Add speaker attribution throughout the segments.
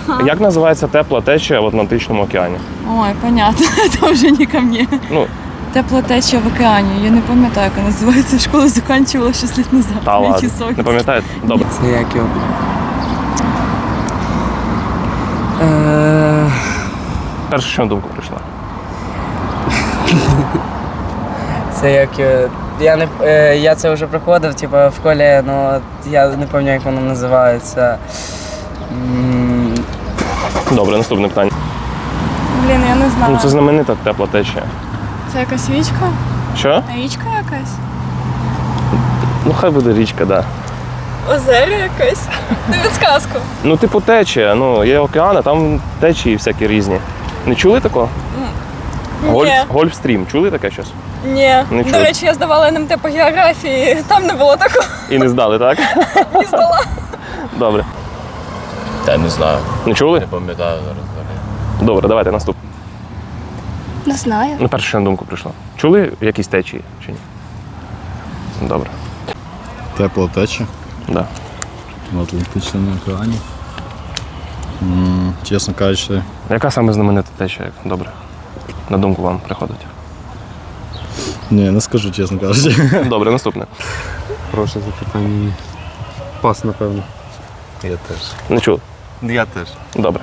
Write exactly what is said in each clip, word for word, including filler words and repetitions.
Speaker 1: Як називається тепла течія в Атлантичному океані?
Speaker 2: Ой, понятно, це вже не ко мне.
Speaker 1: Ну,
Speaker 2: Тепла течія в океані. Я не пам'ятаю, як вона називається. Школу закінчувала шість років назад.
Speaker 1: та ладно. Не пам'ятаєте? Добре.
Speaker 3: Це як його? Е...
Speaker 1: Перше, що на думку прийшло.
Speaker 3: Це як його? Я не е, я це вже проходив, типу, в школі, але я не пам'ятаю, як воно називається. М,
Speaker 1: Добре, наступне питання.
Speaker 2: Блін, я не знаю.
Speaker 1: Ну, це знаменита тепла течія.
Speaker 2: Це якась річка?
Speaker 1: Що?
Speaker 2: Річка якась?
Speaker 1: Ну, хай буде річка, так. Да.
Speaker 2: Озеро якесь? Не підсказку.
Speaker 1: Ну, типу течія. Ну, є океан, а там течії всякі різні. Не чули такого? Гольф, Гольфстрім. Чули таке щось?
Speaker 2: Ні.
Speaker 1: Не
Speaker 2: До
Speaker 1: чули.
Speaker 2: речі, я здавала ен ем те по географії, там не було такого.
Speaker 1: І не здали, так?
Speaker 2: Не здала.
Speaker 1: Добре.
Speaker 4: Та не знаю,
Speaker 1: Не чули?
Speaker 4: не пам'ятаю зараз.
Speaker 1: Добре, давайте наступне.
Speaker 5: Не знаю.
Speaker 1: Ну, перше, що на думку прийшло. Чули якісь течії чи ні? Добре.
Speaker 6: Тепла теча
Speaker 1: Да.
Speaker 6: в Атлантичному океані. М, Чесно кажучи,
Speaker 1: Яка саме знаменита течія? Добре. На думку вам приходить.
Speaker 6: ні, не скажу, чесно кажучи.
Speaker 1: Добре, наступне.
Speaker 7: Хороше запитання. Пас, напевно.
Speaker 4: Я теж.
Speaker 1: Не чули?
Speaker 4: Я теж.
Speaker 1: Добре.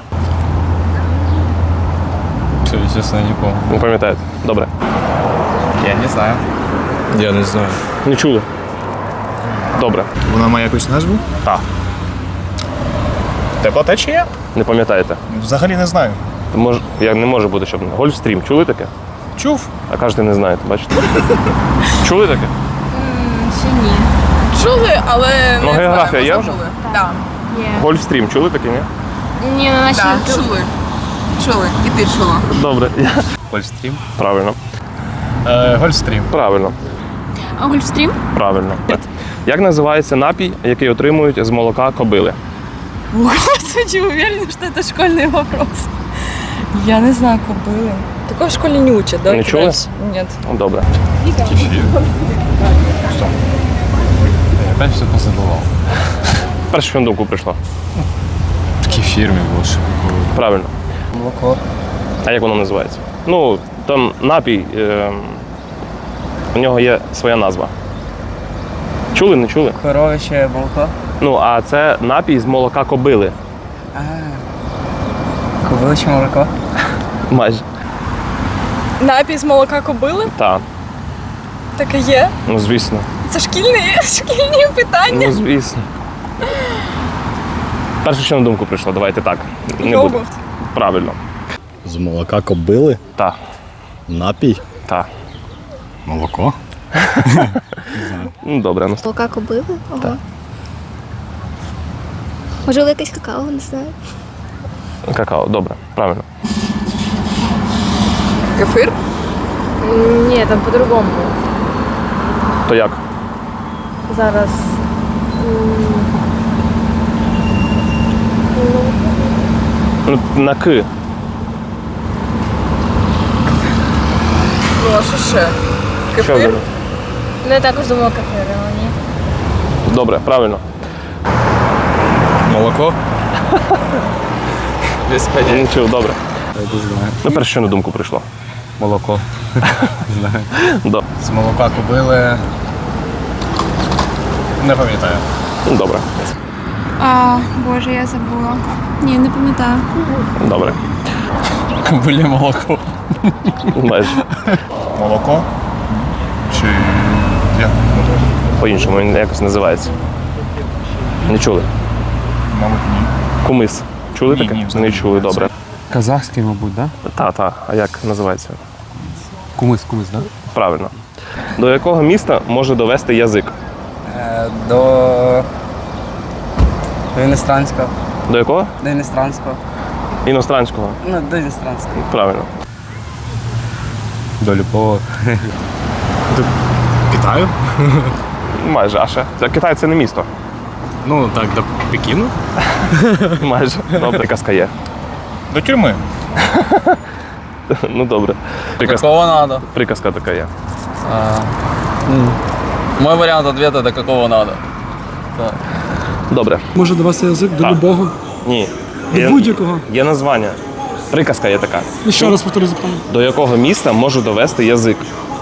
Speaker 4: Все, чесно, нікого.
Speaker 1: Не пам'ятаєте? Добре.
Speaker 4: Я не знаю.
Speaker 6: Я не знаю.
Speaker 1: Не чули? Добре.
Speaker 6: Вона має якусь назву?
Speaker 1: Так.
Speaker 8: Тепла течія?
Speaker 1: Не пам'ятаєте?
Speaker 8: Взагалі не знаю.
Speaker 1: Мож... Я не може бути, щоб не. Гольфстрім. Чули таке?
Speaker 8: Чув.
Speaker 1: А кажете, не знаєте, бачите? Чули таке?
Speaker 2: Ще ні. Чули, але
Speaker 1: Ну,
Speaker 2: не
Speaker 1: географія
Speaker 2: знаю,
Speaker 1: є
Speaker 2: ми
Speaker 1: вже?
Speaker 2: забули. Так.
Speaker 5: Є.
Speaker 1: Гольфстрім. Чули таке, ні?
Speaker 5: Ні, на нашій
Speaker 2: Так,
Speaker 5: ютуб.
Speaker 2: чули. Чули. І ти чула.
Speaker 1: Добре.
Speaker 4: Гольфстрім.
Speaker 1: Правильно.
Speaker 8: Е, Гольфстрім.
Speaker 1: Правильно.
Speaker 5: А Гольфстрім?
Speaker 1: Правильно. Як називається напій, який отримують з молока кобили?
Speaker 2: Господи, уверена, что это школьный вопрос. Я не знаю, кобыли. Такого в школе не учат, да?
Speaker 1: Не чули?
Speaker 2: Нет.
Speaker 1: Ну, добре.
Speaker 4: Я опять все позабував.
Speaker 1: Перше, що на думку прийшло.
Speaker 4: В такій фірмі було, що було.
Speaker 1: Правильно.
Speaker 3: молоко.
Speaker 1: А як воно називається? Ну, там напій, е, у нього є своя назва. Чули, не чули?
Speaker 3: Коровище молоко.
Speaker 1: Ну, а це напій з молока кобили.
Speaker 3: А, кобиличе молоко.
Speaker 1: Майже.
Speaker 2: Напій з молока кобили?
Speaker 1: Так.
Speaker 2: Таке є.
Speaker 1: Ну, звісно.
Speaker 2: Це шкільні, шкільні питання.
Speaker 1: Ну, звісно. Перше, що на думку прийшло, давайте так. Не буде.
Speaker 2: Йогурт.
Speaker 1: Правильно.
Speaker 6: З молока кобили?
Speaker 1: Так.
Speaker 6: Напій?
Speaker 1: Так.
Speaker 6: Молоко?
Speaker 1: Ну, добре. Ну,
Speaker 5: Молока кобили? Ого. Можливо, якесь какао, не знаю.
Speaker 1: какао, добре. Правильно.
Speaker 2: Кефир?
Speaker 9: Ні, там по-другому.
Speaker 1: То як?
Speaker 9: Зараз.
Speaker 1: Ну, на К.
Speaker 2: Ну, а що ще?
Speaker 1: Що
Speaker 2: Кефир?
Speaker 1: добре?
Speaker 9: Ну, я також думала кефір, але ні.
Speaker 1: Добре, правильно.
Speaker 4: Молоко? Без поняття.
Speaker 1: Не чув, добре.
Speaker 4: Я не знаю.
Speaker 1: Ну, перше, що на думку прийшло.
Speaker 4: Молоко. Знаю.
Speaker 1: Да.
Speaker 8: З молока кобили. Не пам'ятаю.
Speaker 1: Ну, добре.
Speaker 5: А, боже, я забула. Ні, не пам'ятаю.
Speaker 1: Добре.
Speaker 4: Кобилі молоко.
Speaker 1: Майже.
Speaker 8: Молоко? Чи як?
Speaker 1: По-іншому він якось називається. Не чули?
Speaker 8: Мабуть, ні.
Speaker 1: Кумис. Чули
Speaker 8: Ні,
Speaker 1: таке?
Speaker 8: ні,
Speaker 1: Не чули, добре.
Speaker 7: Казахський, мабуть, да?
Speaker 1: Та, та. А як називається?
Speaker 7: Кумис, кумис, да?
Speaker 1: Правильно. До якого міста може довести язик?
Speaker 3: Е, до... До іностранського.
Speaker 1: До якого?
Speaker 3: До іностранського.
Speaker 1: Іностранського.
Speaker 3: Ну, до іностранського.
Speaker 1: Правильно.
Speaker 4: До любого.
Speaker 6: Китаю?
Speaker 1: Майже. А ще? Це Китай це не місто.
Speaker 6: Ну, так, до Пекіну.
Speaker 1: Майже. Добре, казка є.
Speaker 8: До тюрми.
Speaker 1: Ну добре. Приказка,
Speaker 4: Какого надо?
Speaker 1: приказка така є.
Speaker 4: Мой варіант ответа до какого надо.
Speaker 1: Добре.
Speaker 7: Може довести язик до
Speaker 1: Так.
Speaker 7: любого?
Speaker 1: Ні. Є,
Speaker 10: будь-якого.
Speaker 1: є названня. Приказка є така.
Speaker 10: І ще раз повторюю запитання.
Speaker 1: До якого міста можу довести язик?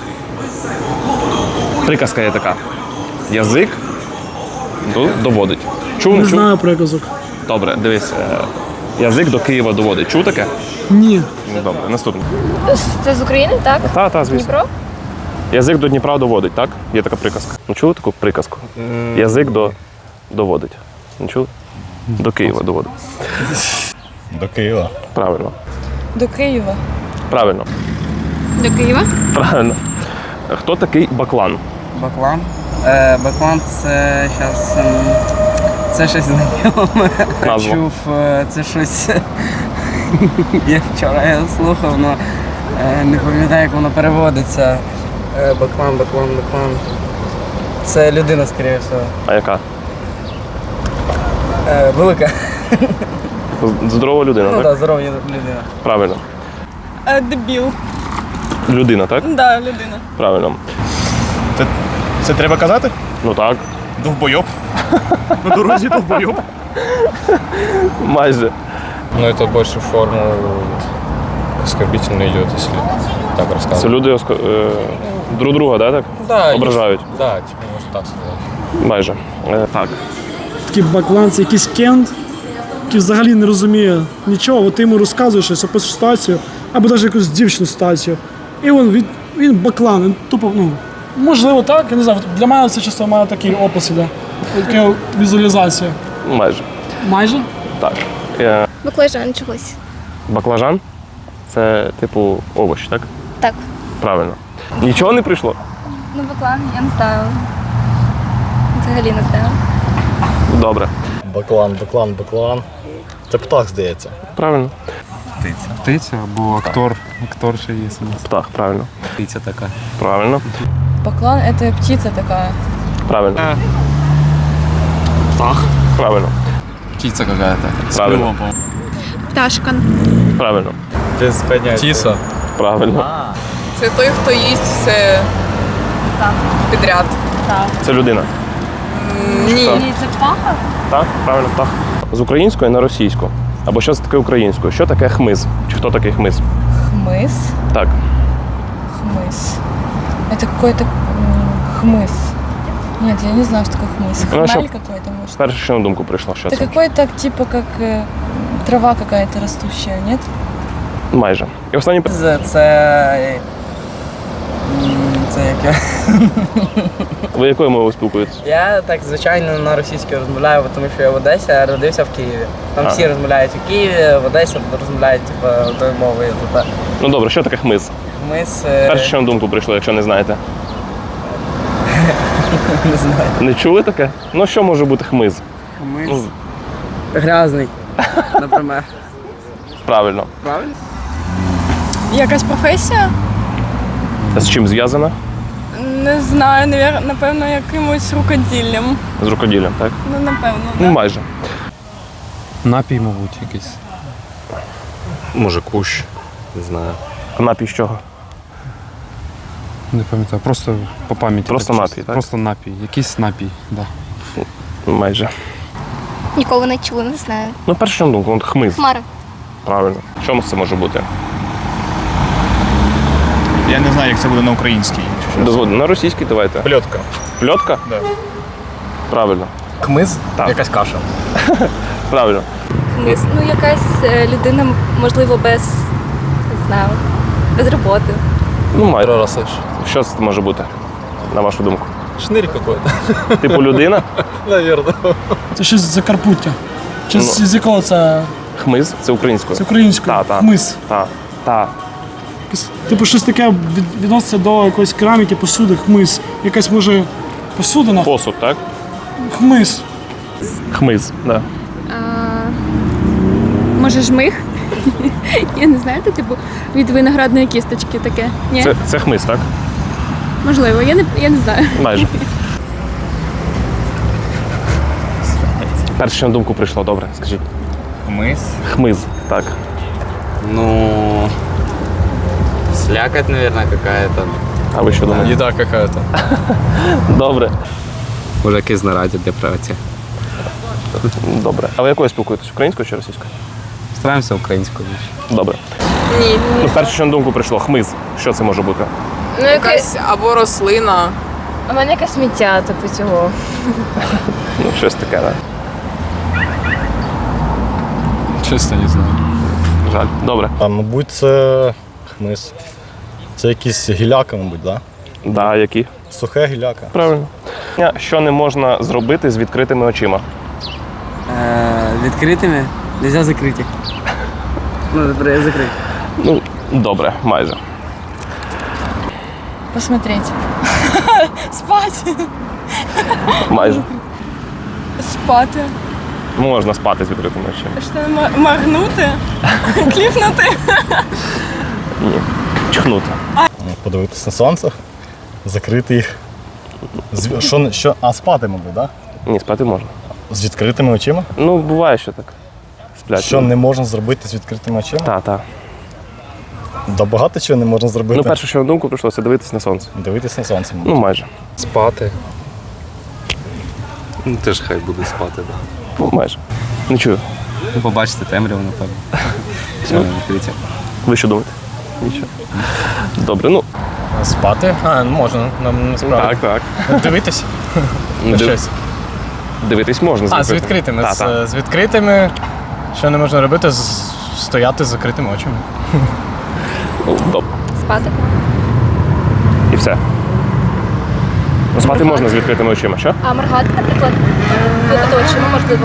Speaker 1: Приказка є така. Язик до- доводить. Чув,
Speaker 10: Не
Speaker 1: не чув?
Speaker 10: знаю приказок.
Speaker 1: Добре, дивись. е, Язик до Києва доводить. Чув таке?
Speaker 10: Ні.
Speaker 1: Ну, добре, наступне.
Speaker 9: Це з України, так?
Speaker 1: Та, та, звісно.
Speaker 9: Дніпро?
Speaker 1: Язик до Дніпра доводить, так? Є така приказка. Ну, чули таку приказку? Язик до доводить. Не чули? До Києва доводить.
Speaker 8: До Києва.
Speaker 1: Правильно.
Speaker 2: До Києва.
Speaker 1: Правильно.
Speaker 5: До Києва?
Speaker 1: Правильно. Хто такий Баклан?
Speaker 3: Баклан. Е, Баклан це зараз. Це щось знайоме.
Speaker 1: Назва.
Speaker 3: Чув, е, це щось. Я вчора його слухав, але не пам'ятаю, як воно переводиться. Е, Баклан, Баклан, Баклан. Це людина, скоріше всього.
Speaker 1: А яка?
Speaker 3: Е, Велика.
Speaker 1: Здорова людина,
Speaker 3: Ну
Speaker 1: так?
Speaker 3: так, здорова людина.
Speaker 1: Правильно.
Speaker 2: Е, дебіл.
Speaker 1: Людина, так?
Speaker 2: Да, людина.
Speaker 1: Правильно.
Speaker 8: Це, це треба казати?
Speaker 1: Ну так.
Speaker 8: Довбойоб. На дорозі довбойоб.
Speaker 1: Майже.
Speaker 11: Ну, это больше в форму оскорбительно идет, если так
Speaker 1: Це
Speaker 11: рассказывать.
Speaker 1: люди оско- е, друг друга, да, так?
Speaker 11: Да,
Speaker 1: Ображають.
Speaker 11: есть- Да, типа, можно так сказать.
Speaker 1: Майже. Е, так.
Speaker 10: Такий баклан, це якийсь кент, який взагалі не розуміє нічого. От ти йому розказуєш щось, описуєш ситуацію, або навіть якусь дівчину ситуацію. І він, він, він баклан, він тупо, ну, можливо, так, я не знаю. Для мене це часто має такий опис іде. Така візуалізація.
Speaker 1: Майже.
Speaker 10: Майже?
Speaker 1: Так. Е,
Speaker 5: Баклажан чогось.
Speaker 1: баклажан це типу овощ, так?
Speaker 5: Так.
Speaker 1: Правильно. Нічого не прийшло?
Speaker 5: Ну, баклан, я не знаю. Взагалі не знаю.
Speaker 1: Добре.
Speaker 6: Баклан, баклан, баклан. Це птах, здається.
Speaker 1: Правильно.
Speaker 7: Птиця або актор. Актор ще є у нас.
Speaker 1: Птах, правильно.
Speaker 4: Птиця така.
Speaker 1: Правильно.
Speaker 2: Баклан – это птица такая.
Speaker 1: Правильно.
Speaker 6: Птах.
Speaker 1: Правильно.
Speaker 4: Птиця какая-то. З
Speaker 1: Правильно.
Speaker 4: клювом, по-моєму.
Speaker 5: Пташка.
Speaker 1: Правильно.
Speaker 6: Без поняття.
Speaker 11: Птица.
Speaker 1: Правильно.
Speaker 2: Це той, хто їсть все підряд.
Speaker 1: Це людина.
Speaker 2: Ні.
Speaker 5: Ні, це птаха?
Speaker 1: Так, правильно, птах. З української на російську. Або що це таке українською? Що таке хмиз? Чи хто такий хмиз?
Speaker 2: Хмыз.
Speaker 1: Так.
Speaker 2: Хмыз. Это какой-то м, хмыз. Нет, я не знаю, что такое хмыз.
Speaker 1: Ну, а
Speaker 2: Хмель
Speaker 1: что?
Speaker 2: какой-то, может.
Speaker 1: Перше, що на думку прийшло, що
Speaker 2: Это
Speaker 1: це?
Speaker 2: какой-то типа как э, трава какая-то растущая, нет?
Speaker 1: Майже. І останнє питання.
Speaker 3: Це. Це. м, Це як я.
Speaker 1: Ви якою мовою спілкуєтесь?
Speaker 3: Я так звичайно на російській розмовляю, тому що я в Одесі, а родився в Києві. Там
Speaker 1: А.
Speaker 3: всі розмовляють у Києві, в Одесі розмовляють типу, тою мовою. Тобто
Speaker 1: Ну добре, що таке хмиз?
Speaker 3: ми з е,
Speaker 1: Перше, що на думку прийшло, якщо не знаєте.
Speaker 3: не знаю.
Speaker 1: Не чули таке? Ну що може бути хмиз?
Speaker 3: Ми
Speaker 1: Ну,
Speaker 3: з грязний, наприклад.
Speaker 1: правильно.
Speaker 3: Правильно?
Speaker 2: Якась професія?
Speaker 1: З чим зв'язана?
Speaker 2: Не знаю, навер- напевно, якимось рукоділлям.
Speaker 1: З рукоділлям, так?
Speaker 2: Ну, напевно.
Speaker 1: Ну, майже.
Speaker 7: Напій, мабуть, якийсь.
Speaker 11: Може, кущ. Не знаю.
Speaker 1: Напій з чого?
Speaker 7: Не пам'ятаю. Просто по пам'яті.
Speaker 1: Просто
Speaker 7: так
Speaker 1: напій,
Speaker 7: чисто.
Speaker 1: так?
Speaker 7: Просто напій. Якийсь напій, так. Да.
Speaker 1: Майже.
Speaker 5: Ніколи не чула, не знаю.
Speaker 1: Ну, перше, що на думку, от хмиз.
Speaker 5: Хмара.
Speaker 1: Правильно. Чому це може бути?
Speaker 8: Я не знаю, як це буде на українській.
Speaker 1: Дозвольте, на російській давайте.
Speaker 8: Пльотка.
Speaker 1: Пльотка?
Speaker 8: Да.
Speaker 1: Правильно.
Speaker 6: Хмиз?
Speaker 1: Так.
Speaker 6: Якась каша.
Speaker 1: Правильно.
Speaker 9: Хмиз. Ну, якась е, людина, можливо, без, не знаю, без роботи.
Speaker 1: Ну, майже.
Speaker 11: Проросиш.
Speaker 1: Що це може бути, на вашу думку?
Speaker 11: Шнырь какой-то.
Speaker 1: Типу людина?
Speaker 11: Наверное.
Speaker 10: Це щось з Закарпуття. Чи
Speaker 1: Ну.
Speaker 10: з з якого це?
Speaker 1: Хмиз це українською.
Speaker 10: Це українською.
Speaker 1: Та, та.
Speaker 10: Хмиз.
Speaker 1: Так. Так.
Speaker 10: Якесь, типу щось таке від- відноситься до якоїсь кераміки, посуди, хмиз. Якась може посудина.
Speaker 1: Посуд, так?
Speaker 10: Хмиз.
Speaker 1: Хмиз, так.
Speaker 5: А, може, жмих? Я не знаю, це типу від виноградної кісточки таке. Ні?
Speaker 1: Це, це хмиз, так?
Speaker 5: Можливо, я не, я не знаю.
Speaker 1: Майже. Перше, що на думку прийшло, добре, скажіть.
Speaker 8: Хмиз.
Speaker 1: Хмиз, так.
Speaker 4: Ну... Слякоть, наверное, какая-то.
Speaker 1: А ви що думаєте?
Speaker 11: Еда какая-то.
Speaker 1: Добре.
Speaker 11: Може, якесь знаряддя для праці.
Speaker 1: Добре. А ви якою спілкуєтесь? Українською чи російською?
Speaker 4: Стараємося українською більше.
Speaker 1: Добре.
Speaker 2: Ні,
Speaker 1: Ну, перше, що на думку прийшло, хмиз. Що це може бути?
Speaker 2: ну якась або рослина.
Speaker 9: У мене якесь сміття, типу цього.
Speaker 1: Ну, щось таке, так.
Speaker 4: Чесно, не знаю.
Speaker 1: Жаль. Добре.
Speaker 6: А мабуть, це хмиз. Це якісь гіляка, мабуть, так? Да?
Speaker 1: Да, які?
Speaker 6: Сухе гіляка.
Speaker 1: Правильно. Що не можна зробити з відкритими очима?
Speaker 3: Е, відкритими, нельзя закриті. Ну, добре, я закрив.
Speaker 1: Ну, добре, майже.
Speaker 2: Посмотреть. Спати.
Speaker 1: Майже.
Speaker 2: Спати.
Speaker 1: Можна спати з відкритими очима.
Speaker 2: Що моргнути? Кліпнути?
Speaker 1: Ні. Чхнути.
Speaker 6: Ну, подивитись на сонце, закрити їх. З, що, що, а спати, мабуть, так? Да?
Speaker 1: Ні, спати можна.
Speaker 6: З відкритими очима?
Speaker 1: Ну, буває, що так. Сплять.
Speaker 6: Що не можна зробити з відкритими очима?
Speaker 1: Так, так.
Speaker 6: Да багато чого не можна зробити.
Speaker 1: Ну, перше, що на думку прийшло, це дивитись на сонце.
Speaker 6: Дивитись на сонце, мабуть.
Speaker 1: Ну, майже.
Speaker 11: Спати.
Speaker 4: Ну, теж хай буде спати, так.
Speaker 1: Ну, майже. Не чую.
Speaker 4: Ну, побачите темряву, напевно. Що відкриття.
Speaker 1: Ви що думаєте? Нічого. Добре, ну.
Speaker 11: Спати? А, ну можна, нам насправді.
Speaker 1: Так, так.
Speaker 11: Дивитись?
Speaker 1: Див-
Speaker 11: Щось.
Speaker 1: Дивитись можна.
Speaker 11: А, з відкритими.
Speaker 1: Так,
Speaker 11: З,
Speaker 1: так.
Speaker 11: з відкритими. Що не можна робити? З- Стояти з закритими очима.
Speaker 1: Ну, добре.
Speaker 9: Спати.
Speaker 1: І все. Ну, спати можна з відкритими очима, що?
Speaker 9: А моргати, наприклад, випити очима, можливо.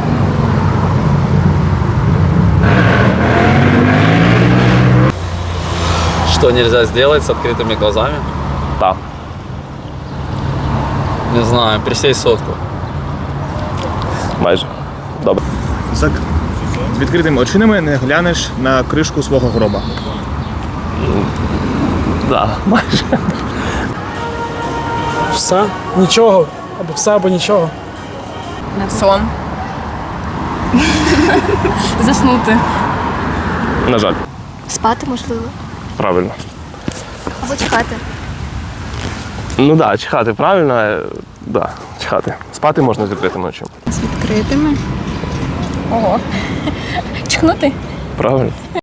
Speaker 4: Что нельзя сделать с открытыми глазами?
Speaker 1: Так.
Speaker 4: Не знаю, присесть сотку.
Speaker 1: Майже. Добре.
Speaker 8: З відкритими очима не глянеш на кришку свого гроба.
Speaker 1: Да, майже.
Speaker 10: Все, нічого, або все, або нічого.
Speaker 2: Сон. Заснути.
Speaker 1: На жаль.
Speaker 5: Спати, можливо.
Speaker 1: Правильно.
Speaker 5: Або чекати.
Speaker 1: Ну так, да, чхати правильно. е, Да, чхати. Спати можна з відкритими очима.
Speaker 5: З відкритими.
Speaker 2: Ого. Чхнути.
Speaker 1: Правильно.